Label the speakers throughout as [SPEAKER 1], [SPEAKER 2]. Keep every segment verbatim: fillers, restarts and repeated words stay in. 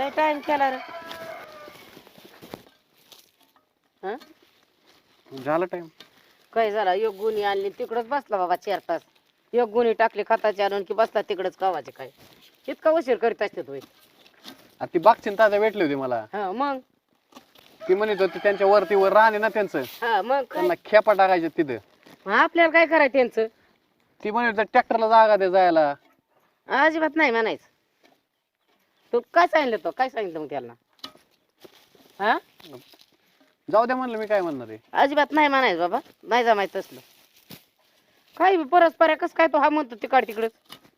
[SPEAKER 1] लय टाइम केला रे. हा
[SPEAKER 2] झाला टाइम.
[SPEAKER 1] काय झाला एक गुणी आणली तिकडच बसला बाबा चार तास. एक गुणी टाकली खताची आणून की बसला तिकडच कवाचे काय इतका उशीर करीत असते तुम्ही.
[SPEAKER 2] ती बागचिन ताजा भेटली होती मला.
[SPEAKER 1] हा मग
[SPEAKER 2] ती म्हणत होती त्यांच्या वरती वर राहणे ना त्यांचं,
[SPEAKER 1] हा मग काय?
[SPEAKER 2] त्यांना खेपा टाकायचे तिथं.
[SPEAKER 1] मग आपल्याला काय करायचं त्यांचं.
[SPEAKER 2] ती म्हणत ट्रॅक्टरला जागा दे जायला.
[SPEAKER 1] अजिबात नाही म्हणायचं. तू काय सांगितलं तो काय सांगितलं मग त्याला. हा
[SPEAKER 2] जाऊ दे म्हणलं, मी काय म्हणणार आहे.
[SPEAKER 1] अजिबात नाही म्हणायचं बाबा, नाही जमायचं तसलं. काय बी परस्पर कस काय तो हा म्हणतो तिकड तिकडच.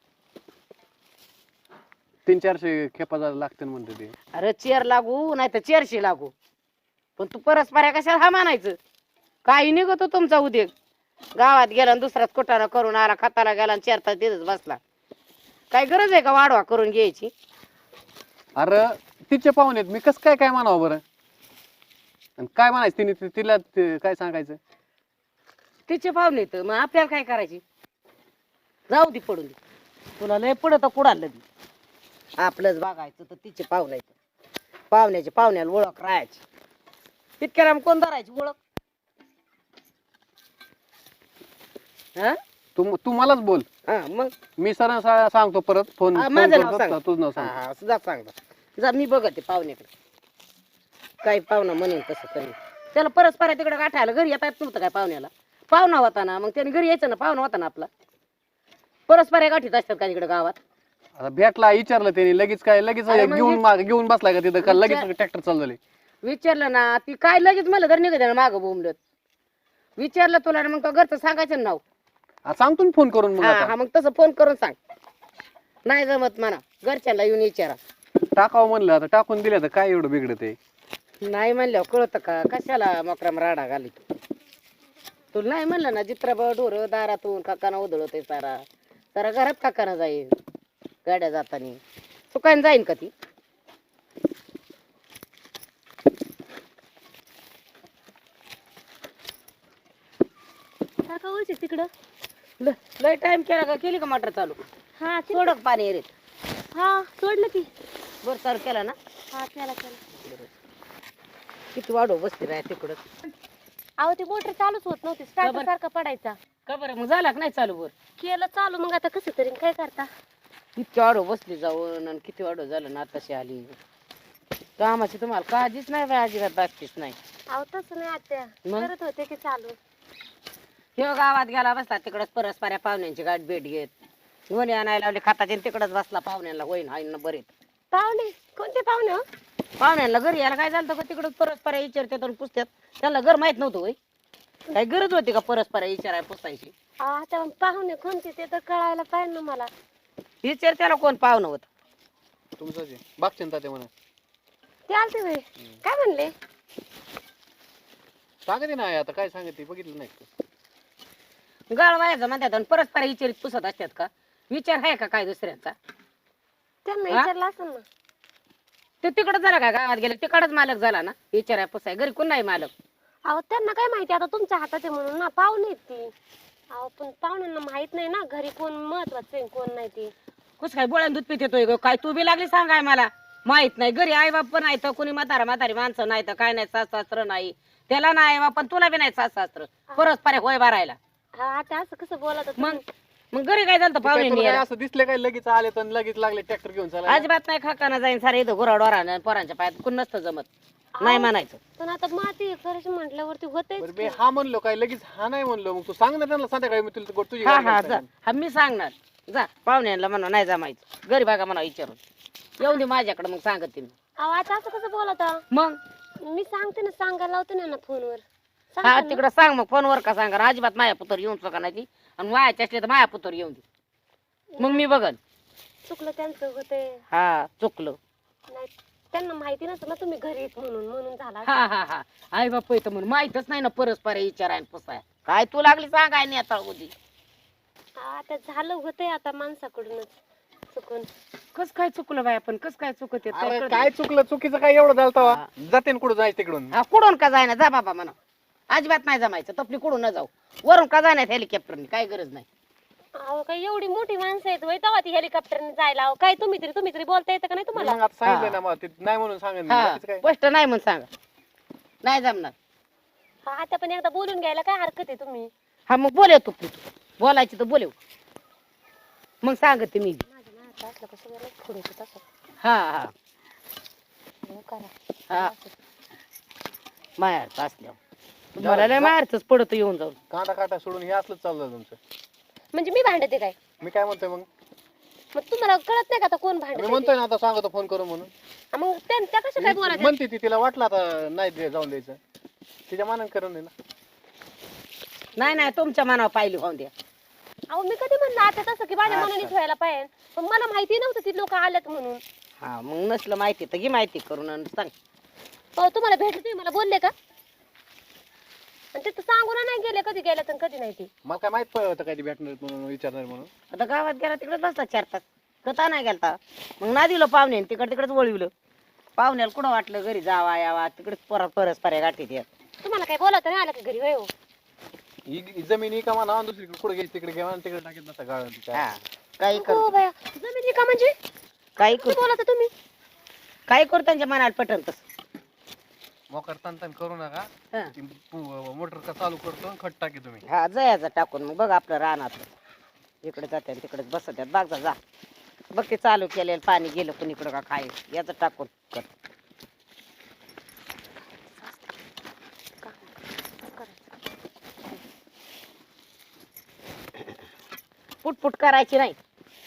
[SPEAKER 2] तीन चारशे खेपा जायला लागते म्हणते ते.
[SPEAKER 1] अरे चेअर लागू नाही तर चेअरशी लागू, पण तू परस्पर कशाला हा म्हणायचं. काही निघतो तुमचा उद्योग. गावात गेला आणि दुसराच कुटाणा करून आला, खताला गेला आणि चार तास तिथंच बसला. काय गरज आहे का वाढवा करून घ्यायची.
[SPEAKER 2] अरे तिचे पाहुणे मी कस काय काय म्हणावं बरं. आणि काय म्हणायचं तिने ति- तिला ते काय सांगायचं.
[SPEAKER 1] तिचे पाहुणे तर मग आपल्याला काय करायची. जाऊ दे पडून दे, तुला लय पडत कुडालं दे. आपलंच बघायचं तर तिचे पाहुणे पाहुण्याचे पाहुण्याला ओळख राहायची. तितक्याला मग कोण धरायची ओळख. हा
[SPEAKER 2] तू तू मलाच बोल.
[SPEAKER 1] हा मग
[SPEAKER 2] मी सर सांगतो परत फोन
[SPEAKER 1] हा,
[SPEAKER 2] फोन
[SPEAKER 1] माझं नाव
[SPEAKER 2] करतो,
[SPEAKER 1] सांग.
[SPEAKER 2] तुझं नाव सांग.
[SPEAKER 1] हा जा सांग जा, मी बघते पाहुण्याकडे. काही पाहुणा म्हणेन तसं करेन. त्याला परस्पर तिकडे गाठायला घरी येता येत नव्हतं काय पाहुण्याला. पाहुणा होता ना मग त्याने घरी यायचं ना, पाहुणा होता ना आपला. परस्पर गाठीत असतात का तिकडे गावात.
[SPEAKER 2] आता भेटला विचारलं त्याने लगेच काय लगेच
[SPEAKER 1] अरे मग
[SPEAKER 2] घेऊन
[SPEAKER 1] हे-
[SPEAKER 2] माग घेऊन बसलाय का तिथं का लगेच
[SPEAKER 1] विचार-
[SPEAKER 2] ट्रॅक्टर चालू झाले.
[SPEAKER 1] विचारलं ना ती काय लगेच मला तर निघत मागं बोंबलत. विचारलं तुला ना मग तो घरचं सांगायचं ना नाव.
[SPEAKER 2] आ, सांगतो ना फोन करून मग
[SPEAKER 1] हा
[SPEAKER 2] आता.
[SPEAKER 1] हा मग तसं फोन करून सांग. नाही जमत म्हणा घरच्यांना येऊन विचारा.
[SPEAKER 2] टाकावं म्हणलं आता टाकून दिलं तर काय एवढं बिघडत आहे.
[SPEAKER 1] नाही म्हणल्यावर कळतं का कशाला मकराम राडा घाली. तुला नाही म्हणलं ना जित्राबा ढोर दारातून काकाना उधळत सारा सारा घरात काकाना जाईल गाड्या जातानी. तू काय जाईन का ती.
[SPEAKER 3] काका होते तिकडं.
[SPEAKER 1] ल- लय टाइम केला का केली का मोटर चालू.
[SPEAKER 3] हा ते-
[SPEAKER 1] सोडक पाणी येत
[SPEAKER 3] हा सोडलं की.
[SPEAKER 1] बर चालू केला ना.
[SPEAKER 3] हा केला केला.
[SPEAKER 1] किती वाढव बसते राय तिकडं.
[SPEAKER 3] अहो ती मोटर चालूच होत नव्हती, स्टार्टर सारखा पडायचा.
[SPEAKER 1] का बरं मग झाला का नाही चालू बर.
[SPEAKER 3] केलं चालू मग आता कसं तरी काय करता.
[SPEAKER 1] किती वाढव बसली जाऊन आणि किती वाढव झालं ना आताशी आली. कामाची तुम्हाला काळजीच नाही बाई, अजिबात बागतीच नाही.
[SPEAKER 3] अहो तसं नाही आत्या,
[SPEAKER 1] मग?
[SPEAKER 3] करत होते की चालू.
[SPEAKER 1] ह्यो गावात गेला बसला तिकडच परस्पऱ्या पाहुण्यांची गाठ भेट घेत. गोणी आणायला लावली खताची तिकडच बसला पाहुण्यांना होईन हाईन बरेत.
[SPEAKER 3] पाहुणे कोणते पाहुणे हो?
[SPEAKER 1] पाहुण्यांना घरी यायला काय झालं का तिकडच परस्पऱ्या विचारतात आणि पुसतात. त्यांना घर माहित नव्हतं होय. काही गरज होती का परस्पऱ्या विचाराय पुसायची.
[SPEAKER 3] अहो, आता पाहुणे कोणते ते तर कळायला पाहिजे ना मला.
[SPEAKER 1] विचार त्याला कोण पाहुणं होत.
[SPEAKER 2] तुमचं जे बागचिंता ते म्हणा
[SPEAKER 3] ते आलते होय. काय म्हणले.
[SPEAKER 2] सांगते ना आता काय सांगते बघितलं नाही का?
[SPEAKER 1] गाळ व्हायचं म्हणतात आणि परस्पर विचारित पुसत असतात का. विचार आहे का काय दुसऱ्यांचा.
[SPEAKER 3] त्यांना
[SPEAKER 1] हा?
[SPEAKER 3] विचारलं असेल ना.
[SPEAKER 1] ते तिकडच झाला का गावात गेले तिकडच मालक झाला ना विचाराय पुसाय घरी कोण नाही मालक.
[SPEAKER 3] अहो त्यांना काय माहिती आता तुमच्या हातात आहे म्हणून ना. पाहुणे आहेत ती. अहो पण पाहुण्यांना माहित नाही ना घरी कोण महत्वाचं आहे कोण नाही ती.
[SPEAKER 1] कुस काय बोळ्यान दूध पित येतोय ग काय तू बी लागली सांगाय मला. माहित नाही घरी आई बाप पण नाही तर कोणी म्हातारा म्हातारी माणसं नाही तर काय नाही सास सासर नाही. त्याला नाही आई बाप पण तुला बी नाही सास सासर परस्पर होय भरायला.
[SPEAKER 3] हा आता असं कसं बोलत होता
[SPEAKER 1] मग
[SPEAKER 3] तुम्ही?
[SPEAKER 1] मग घरी काय झालं
[SPEAKER 2] ते काय तुला
[SPEAKER 1] पाहुणे
[SPEAKER 2] काय असं दिसले काय लगेच आले तर लगेच लागले ट्रॅक्टर घेऊन चालायला.
[SPEAKER 1] अजिबात नाही खाकाना जाईन सारे इथं गुराडोरा पोरांच्या पायात कोण नसतं जमत. नाही म्हणायचं.
[SPEAKER 3] पण आता माती करायची म्हटल्यावरती
[SPEAKER 2] बरं
[SPEAKER 3] होतेच
[SPEAKER 2] बे हा म्हणलो काय लगेच हा नाही म्हणलो मग तू सांग ना त्यांना संध्याकाळी मी तुला तुझी
[SPEAKER 1] हा
[SPEAKER 2] गाडी
[SPEAKER 1] हा
[SPEAKER 2] घेऊन
[SPEAKER 1] जा
[SPEAKER 2] जाईन.
[SPEAKER 1] हा मी सांगणार. जा पाहुण्यांना म्हणा नाही जमायचं घरी बघा म्हणा विचारून. येऊन दे माझ्याकडे मग सांगते मी.
[SPEAKER 3] अहो आता असं कसं बोलता.
[SPEAKER 1] मग
[SPEAKER 3] मी सांगते ना सांगायला लावते ना ना फोनवर.
[SPEAKER 1] हा
[SPEAKER 3] सांगते ना.
[SPEAKER 1] तिकडं सांग मग फोनवर का सांगा अजिबात माया पुतर येऊन चुका नाही ती आणि मायाच्या असले तर माया पुतर येऊन दे मग मी बघन.
[SPEAKER 3] चुकलं त्यांचं होते.
[SPEAKER 1] हा चुकलं.
[SPEAKER 3] नाही त्यांना माहिती नसतं ना तुम्ही घरी येत म्हणून म्हणून झाला.
[SPEAKER 1] हा हा हा आई बाप येतं म्हणून माहितच नाही ना परस्पर विचाराय पुसाय काय तू लागली सांगाय नाही आता उदी.
[SPEAKER 3] आता झालं होतंय आता माणसाकडूनच चुकून.
[SPEAKER 1] कस काय चुकलं बाय आपण कस काय चुकत
[SPEAKER 2] अरे काय चुकलं चुकीचं काय एवढं झालं तेव्हा? जाते ना कुठं जायचं तिकडून.
[SPEAKER 1] हा कुठून का जायना जा बाबा म्हणा. अजिबात नाही जमायचं तपली कुठून न जाऊ वरून का जाण्यात हेलिकॉप्टरने काय गरज नाही.
[SPEAKER 3] अहो काय एवढी मोठी माणसं आहेत वय तेव्हा ती हेलिकॉप्टरने जायला अहो, काय तुम्ही तरी तुम्ही तरी बोलता येतं का नाही तुम्हाला
[SPEAKER 2] मग आता सांगितलं ना मग ते नाही म्हणून सांगेन मी.
[SPEAKER 1] हा
[SPEAKER 2] बाकीचं काय
[SPEAKER 1] स्पष्ट नाही म्हणून सांगा नाही जमणार.
[SPEAKER 3] हा, आता पण एकदा बोलून घ्यायला काय हरकत आहे तुम्ही
[SPEAKER 1] हा मग बोलव तू तू. बोलायची तर बोलव मग सांगते मी बी.
[SPEAKER 3] माझ्या नावाचं असलं कसं बरं पुढे तसं
[SPEAKER 1] हा हा
[SPEAKER 3] हो, करा
[SPEAKER 1] हा मायाचं असल्यावर तुम्हाला लय मायाचंच पडत येऊन जाऊन.
[SPEAKER 2] कांदा काटा सोडून हे असलंच चाललं तुमचं.
[SPEAKER 3] म्हणजे मी भांडते काय
[SPEAKER 2] मी काय म्हणतोय मग
[SPEAKER 3] मग तुम्हाला कळत नाही का आता कोण
[SPEAKER 2] मी
[SPEAKER 3] भांडत
[SPEAKER 2] म्हणतोय ना आता सांगतो फोन करून म्हणून.
[SPEAKER 3] मग त्या त्या कसं काय बोलायचं
[SPEAKER 2] म्हणते ती तिला वाटलं आता नाही दे- जाऊन द्यायचं तिच्या मानानं करून दे ना.
[SPEAKER 1] नाही नाही तुमच्या मनावर पाहिली होऊन द्या.
[SPEAKER 3] अहो मी कधी म्हणलं आता तसं की माझ्या
[SPEAKER 2] अच्छा.
[SPEAKER 3] मनाने ठेवायला पाहिजे पण मला माहिती नव्हतं ती लोक आल्यात म्हणून
[SPEAKER 1] हा मग नसलं माहिती तर घे माहिती करून आणि सांग.
[SPEAKER 3] हो तुम्हाला भेटले तुम्ही मला बोलले का आणि तिथं सांगून नाही गेले कधी गेल्या तर कधी नाही ती
[SPEAKER 2] मला काय माहित पडलं होतं काय ती भेटणार म्हणून विचारणार म्हणून.
[SPEAKER 1] आता गावात गेला तिकडे बसता चार तास कथा नाही गेलता मग ना दिलं पाहुणे तिकडे तिकडेच वळविलं. पाहुण्याला कुठं वाटलं घरी जावा यावा तिकडेच परत परस पर्या गाठीत येत.
[SPEAKER 3] तुम्हाला काय बोलावतं नाही आलं का घरी होय हो
[SPEAKER 2] ही ही जमीन ही का म्हणा दुसरीकडे कुठे घ्यायची तिकडे घ्या आणि तिकडे टाकीत नसता गाळून ती काय.
[SPEAKER 1] हा काही
[SPEAKER 3] हो
[SPEAKER 1] कर
[SPEAKER 3] बाया जमिनी का म्हणजे
[SPEAKER 1] काही
[SPEAKER 3] किती
[SPEAKER 1] कर
[SPEAKER 3] बोलावता तुम्ही
[SPEAKER 1] काही करू त्यांच्या मनाला पटन तसं.
[SPEAKER 2] मोकर तन तन करू नका.
[SPEAKER 1] हा.
[SPEAKER 2] ती पु- मोटर का चालू करतो आणि खट टाकी तुम्ही.
[SPEAKER 1] हा जयाचं टाकून मग बघ आपलं रानात इकडे जाते तिकडेच बसत आहेत बाग जा बघ ते चालू केलेलं पाणी गेलं कुणीकडं का काय याचं टाकून कर. पुटपुट करायची नाही.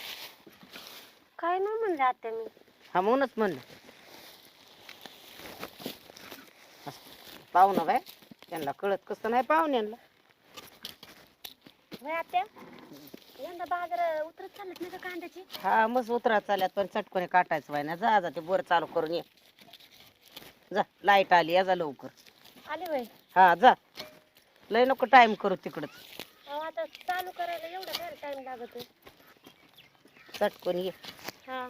[SPEAKER 3] काय नाही म्हणले आता मी
[SPEAKER 1] हा म्हणूनच म्हणलं पाहुणं बाय त्यांना कळत कसं नाही पाहुण्यांना.
[SPEAKER 3] होय आत्या यंदा बाजार उतरत चालत नाही का कांद्याची
[SPEAKER 1] हा मस्त उतरा चालल्यात पण चटकोने काटायचं बाय ना जा जा ते बोर चालू करून ये जा लाईट आली या जा लवकर.
[SPEAKER 3] आले वय
[SPEAKER 1] हा जा लय नको टाइम करू तिकडच
[SPEAKER 3] अहो आता चालू करायला एवढा वेळ टाइम लागत
[SPEAKER 1] चटकोन ये
[SPEAKER 3] हा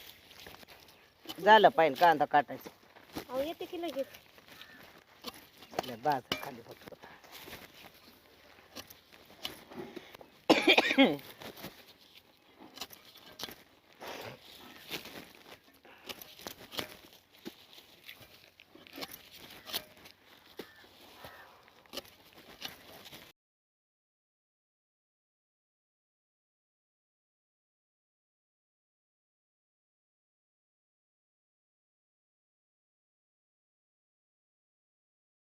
[SPEAKER 1] झालं पाहिजे कांदा काटायचं.
[SPEAKER 3] अहो येते की लगेच
[SPEAKER 1] लय बाजार खाली होत